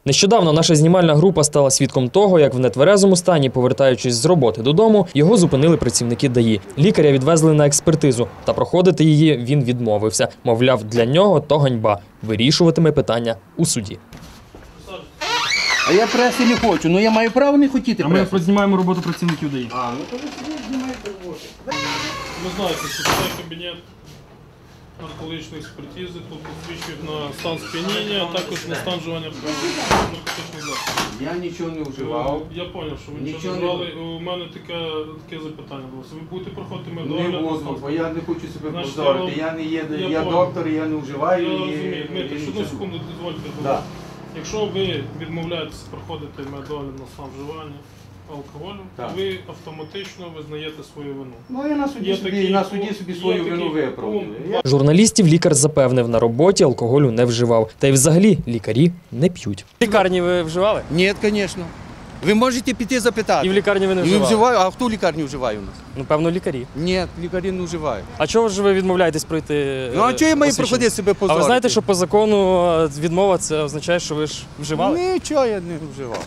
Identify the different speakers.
Speaker 1: Нещодавно наша знімальна група стала свідком того, як в нетверезому стані, повертаючись з роботи додому, його зупинили працівники ДАІ. Лікаря відвезли на експертизу, та проходити її він відмовився. Мовляв, для нього то ганьба. Вирішуватиме питання у суді.
Speaker 2: А я преси не хочу, ну я маю право не хотіти преси.
Speaker 3: Ми знімаємо роботу працівників ДАІ.
Speaker 2: А, ну то ви собі знімаєте роботу.
Speaker 4: Ви знаєте, що це кабінет наркологічної експертизи, тут посвідчують на стан сп'яніння, а також на стан вживання наркотичних засобів.
Speaker 2: Я нічого не вживав.
Speaker 4: Я зрозумів, що ви нічого не брали. У мене таке запитання було. Ви будете проходити
Speaker 2: Не
Speaker 4: медогляд?
Speaker 2: буду, бо я не хочу себе
Speaker 4: Значить,
Speaker 2: позорити. Я не є, я доктор, я не вживаю.
Speaker 4: Я
Speaker 2: і-
Speaker 4: розумію. Дмитро,
Speaker 2: і
Speaker 4: одну
Speaker 2: нічого.
Speaker 4: секунду дозвольте.
Speaker 2: Да.
Speaker 4: Якщо ви відмовляєтеся проходити медогляд на стан вживання алкоголю,
Speaker 2: Так.
Speaker 4: ви автоматично визнаєте свою вину.
Speaker 2: Ну я на суді
Speaker 4: Є
Speaker 2: собі,
Speaker 4: такий
Speaker 2: на суді собі свою
Speaker 4: є
Speaker 2: вину
Speaker 4: такий
Speaker 2: виправдаю.
Speaker 4: пункт.
Speaker 1: Журналістів лікар запевнив, на роботі алкоголю не вживав. Та й взагалі лікарі не п'ють.
Speaker 3: В лікарні ви вживали?
Speaker 2: Ні, звісно. Ви можете піти запитати.
Speaker 3: І в лікарні ви не
Speaker 2: Не
Speaker 3: вживали?
Speaker 2: вживаю, а хто в лікарні вживає у нас?
Speaker 3: Ну, певно, лікарі.
Speaker 2: Ні, лікарі не вживають.
Speaker 3: А чого ж ви відмовляєтесь пройти?
Speaker 2: Ну а чого я маю
Speaker 3: посвідчення?
Speaker 2: проходити себе
Speaker 3: А
Speaker 2: позорити?
Speaker 3: ви знаєте, що по закону відмова це означає, що ви ж вживали?
Speaker 2: Нічого я не вживав.